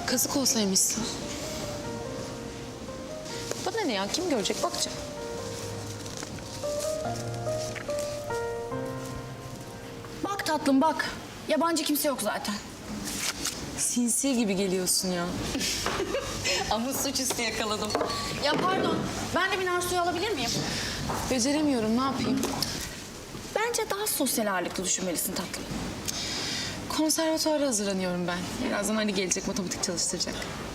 Kazık olsaymışsın. Bana ne ya? Kim görecek? Bakacağım. Bak tatlım bak. Yabancı kimse yok zaten. Sinsi gibi geliyorsun ya. Ama suçüstü yakaladım. Ya pardon. Ben de bir nar suyu alabilir miyim? Beceremiyorum. Ne yapayım? Bence daha sosyal ağırlıklı düşünmelisin tatlım. Konservatuara hazırlanıyorum ben. Birazdan Ali gelecek, matematik çalıştıracak.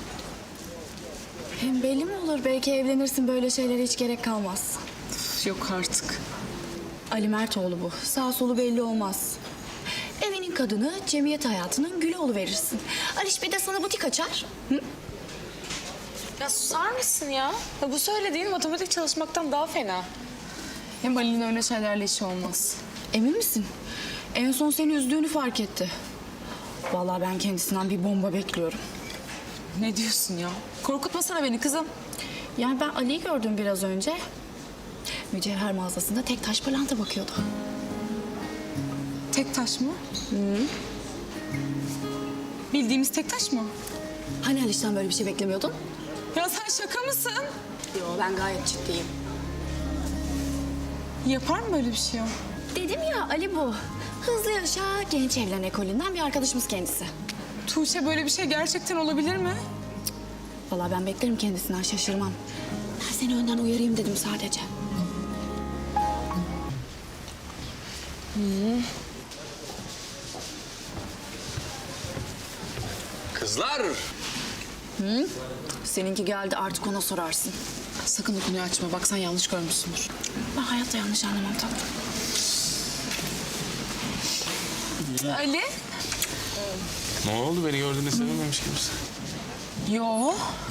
Hem belli mi olur? Belki evlenirsin, böyle şeylere hiç gerek kalmaz. Üf, yok artık. Ali Mertoğlu bu. Sağ solu belli olmaz. Evinin kadını, cemiyet hayatının gülü oluverirsin. Aliş bir de sana butik açar. Hı? Ya susar mısın ya? Ya bu söylediğin matematik çalışmaktan daha fena. Hem Ali'nin öyle şeylerle işi olmaz. Emin misin? En son seni üzdüğünü fark etti. Vallahi ben kendisinden bir bomba bekliyorum. Ne diyorsun ya? Korkutmasana beni kızım. Yani ben Ali'yi gördüm biraz önce. Mücevher mağazasında tek taş pırlanta bakıyordu. Tek taş mı? Bildiğimiz tek taş mı? Hani Aliş'ten böyle bir şey beklemiyordun? Ya sen şaka mısın? Yo, ben gayet ciddiyim. Yapar mı böyle bir şey o? Dedim ya Ali bu. Hızlı yaşa genç evlen ekolünden bir arkadaşımız kendisi. Tuğçe böyle bir şey gerçekten olabilir mi? Vallahi ben beklerim kendisinden, şaşırmam. Ben seni önden uyarayım dedim sadece. Kızlar! Seninki geldi, artık ona sorarsın. Sakın o konuyu açma. Bak sen yanlış görmüşsündür. Ben hayatta yanlış anlamam tatlım. Ali? Ne oldu? Beni gördüğünde sevinmemiş gibisin. Yo.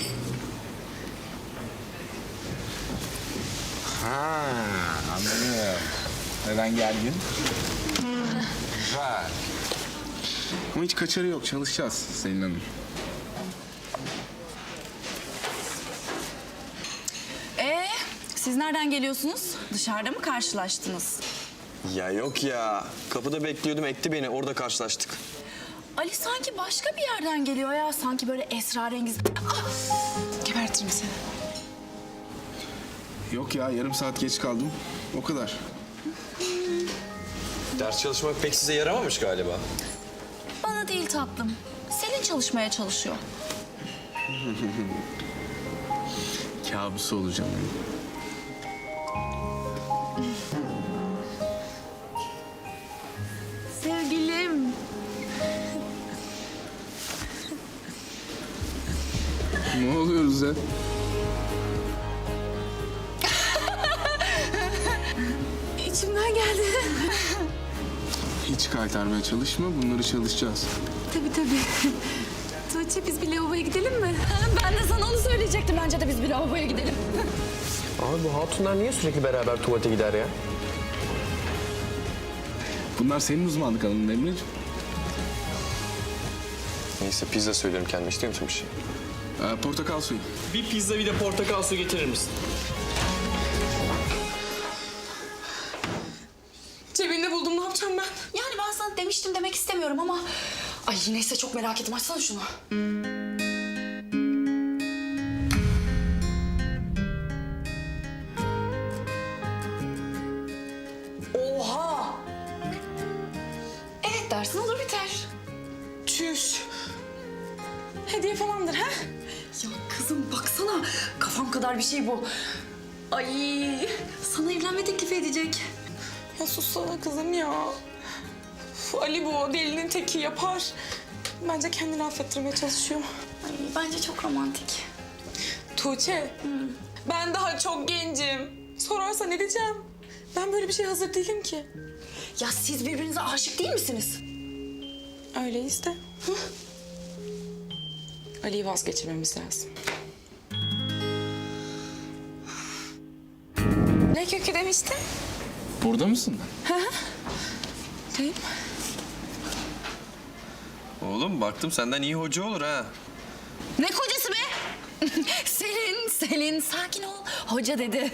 Ha, anladım. Neden gergin? Güzel. Ama hiç kaçarı yok. Çalışacağız Selin Hanım. Siz nereden geliyorsunuz? Dışarıda mı karşılaştınız? Ya yok ya. Kapıda bekliyordum, ekti beni. Orada karşılaştık. Ali sanki başka bir yerden geliyor ya. Sanki böyle esrarengiz. Gebertirim seni. Yok ya, yarım saat geç kaldım. O kadar. Ders çalışmak pek size yaramamış galiba. Bana değil tatlım. Selin çalışmaya çalışıyor. Kabusu olacağım. Sevgilim. Ne oluyoruz ya? İçimden geldi. Hiç kaytarmaya çalışma. Bunları çalışacağız. Tabii. Tuğçe biz bir lavaboya gidelim mi? Ben de sana onu söyleyecektim. Bence de biz bir lavaboya gidelim. Abi bu hatunlar niye sürekli beraber tuvalete gider ya? Bunlar senin uzmanlık alanın Emre'ciğim. Neyse pizza söylüyorum kendime. İstiyor musun bir şey? Portakal suyu. Bir pizza bir de portakal su getirir misin? Cebinde buldum. Ne yapacağım ben? Yani ben sana demiştim demek istemiyorum ama... Ay neyse çok merak ettim. Açsana şunu. Oha! Evet dersin olur biter. Çüş. Hediye falandır ha? Ya kızım baksana. Kafam kadar bir şey bu. Ay sana evlenme teklifi edecek. Ya sussana kızım ya. Uf, Ali bu delinin teki yapar. Bence kendini affettirmeye çalışıyor. Ay bence çok romantik. Tuğçe, ben daha çok gencim. Sorarsa ne diyeceğim? Ben böyle bir şeye hazır değilim ki. Ya siz birbirinize aşık değil misiniz? Öyleyiz de. Ali'yi vazgeçirmemiz lazım. Ne kökü demiştin? Burada mısın? Deyim. Oğlum baktım senden iyi hoca olur ha. Ne kocası be? Selin sakin ol. Hoca dedi.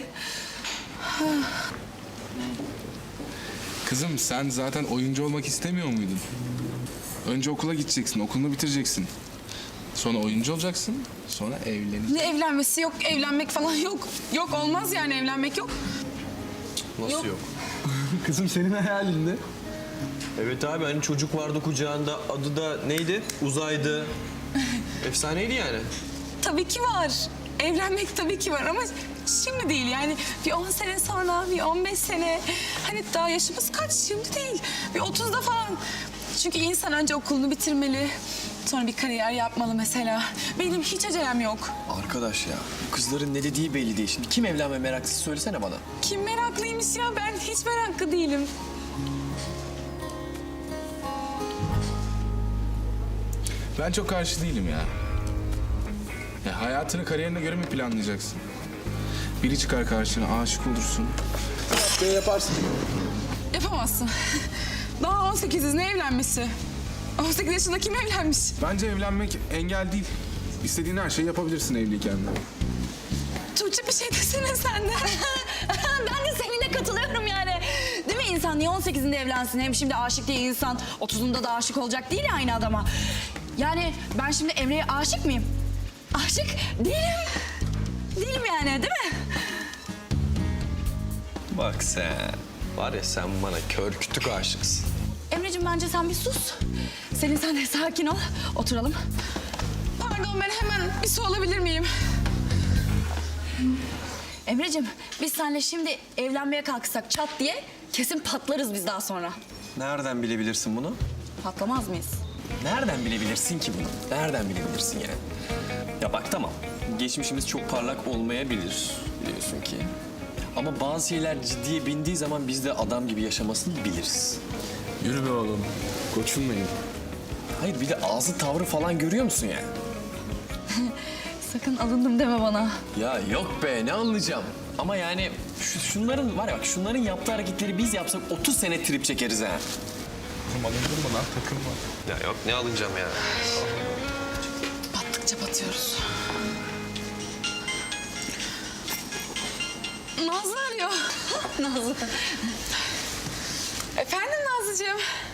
Kızım sen zaten oyuncu olmak istemiyor muydun? Önce okula gideceksin, okulunu bitireceksin. Sonra oyuncu olacaksın. Sonra evleneceksin. Ne evlenmesi yok, evlenmek falan yok. Yok olmaz yani evlenmek yok. Nasıl yok? Kızım senin hayalinde. Evet abi hani çocuk vardı kucağında adı da neydi? Uzaydı. Efsaneydi yani. Tabii ki var. Evlenmek tabii ki var ama şimdi değil yani. Bir 10 sene sonra, bir 15 sene. Hani daha yaşımız kaç şimdi değil. Bir 30'da falan. Çünkü insan önce okulunu bitirmeli. Sonra bir kariyer yapmalı mesela. Benim hiç acelem yok. Arkadaş ya bu kızların ne dediği belli değil. Şimdi kim evlenme meraklısı söylesene bana. Kim meraklıymış ya? Ben hiç meraklı değilim. Ben çok karşı değilim ya. Hayatını kariyerine göre mi planlayacaksın? Biri çıkar karşına, aşık olursun. Böyle yaparsın. Yapamazsın. Daha 18'iz, ne evlenmesi? 18 yaşında kim evlenmiş? Bence evlenmek engel değil. İstediğin her şeyi yapabilirsin evliyken de. Tuğçe bir şey desene sen de. Ben de seninle katılıyorum yani. Değil mi insan niye 18'inde evlensin? Hem şimdi aşık değil insan 30'unda da aşık olacak değil ya aynı adama. Yani ben şimdi Emre'ye aşık mıyım? Aşık değilim. Değilim yani değil mi? Bak sen. Var ya sen bana kör kütük aşıksın. Emre'cim bence sen bir sus. Selin sen de sakin ol. Oturalım. Pardon ben hemen bir su alabilir miyim? Emre'cim biz seninle şimdi evlenmeye kalksak çat diye kesin patlarız biz daha sonra. Nereden bilebilirsin bunu? Patlamaz mıyız? Nereden bilebilirsin ki bunu? Nereden bilebilirsin yani? Ya bak tamam. Geçmişimiz çok parlak olmayabilir biliyorsun ki. Ama bazı şeyler ciddiye bindiği zaman biz de adam gibi yaşamasını biliriz. Yürü be oğlum. Koçum benim. Hayır bir de ağzı tavrı falan görüyor musun yani? Sakın alındım deme bana. Ya yok be ne anlayacağım. Ama yani şunların var ya bak şunların yaptığı hareketleri biz yapsak 30 sene trip çekeriz ha. Oğlum alındırma lan, takılma. Ya yok ne alınacağım ya. Battıkça batıyoruz. Nazlı arıyor. Nazlı. Efendim Nazlıcığım?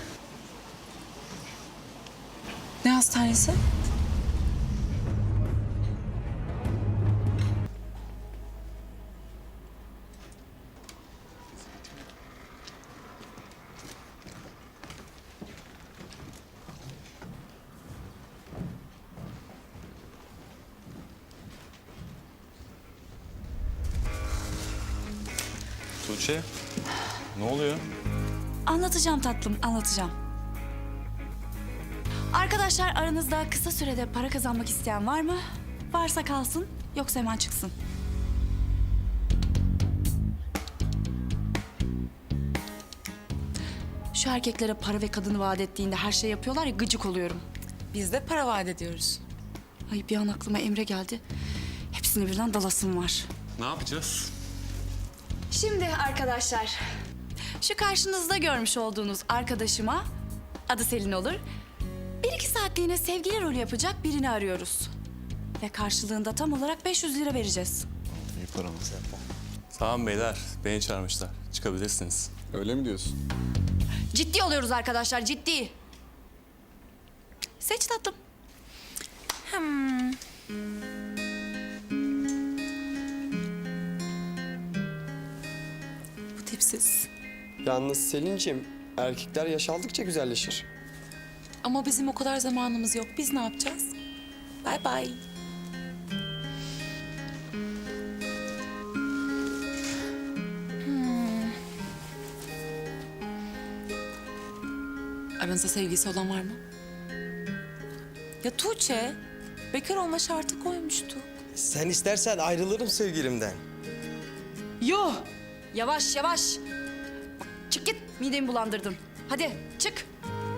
Ne hastanesi? Tuğçe, ne oluyor? Anlatacağım tatlım, anlatacağım. Arkadaşlar aranızda kısa sürede para kazanmak isteyen var mı? Varsa kalsın, yoksa hemen çıksın. Şu erkeklere para ve kadını vaat ettiğinde her şey yapıyorlar ya gıcık oluyorum. Biz de para vaat ediyoruz. Ay bir an aklıma Emre geldi. Hepsini birden dalasım var. Ne yapacağız? Şimdi arkadaşlar, şu karşınızda görmüş olduğunuz arkadaşıma, adı Selin olur, 1-2 saatliğine sevgili rolü yapacak birini arıyoruz. Ve karşılığında tam olarak 500 lira vereceğiz. İyi paramız. Tamam beyler, beni çağırmışlar. Çıkabilirsiniz. Öyle mi diyorsun? Ciddi oluyoruz arkadaşlar, ciddi. Seç tatlım. Bu tipsiz. Yalnız Selin'ciğim, erkekler yaş aldıkça güzelleşir. Ama bizim o kadar zamanımız yok. Biz ne yapacağız? Bay bay. Aranızda sevgilisi olan var mı? Ya Tuğçe, bekar olma şartı koymuştu. Sen istersen ayrılırım sevgilimden. Yo, Yavaş yavaş. Çık git, midemi bulandırdın. Hadi çık.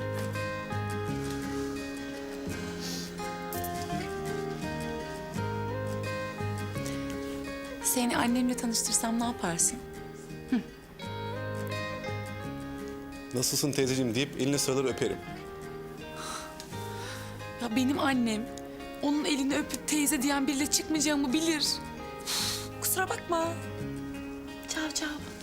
seni annemle tanıştırsam ne yaparsın? Nasılsın teyzeciğim deyip eline sarılır öperim. Ya benim annem onun elini öpüp teyze diyen biriyle çıkmayacağımı bilir. Kusura bakma. Çav çav.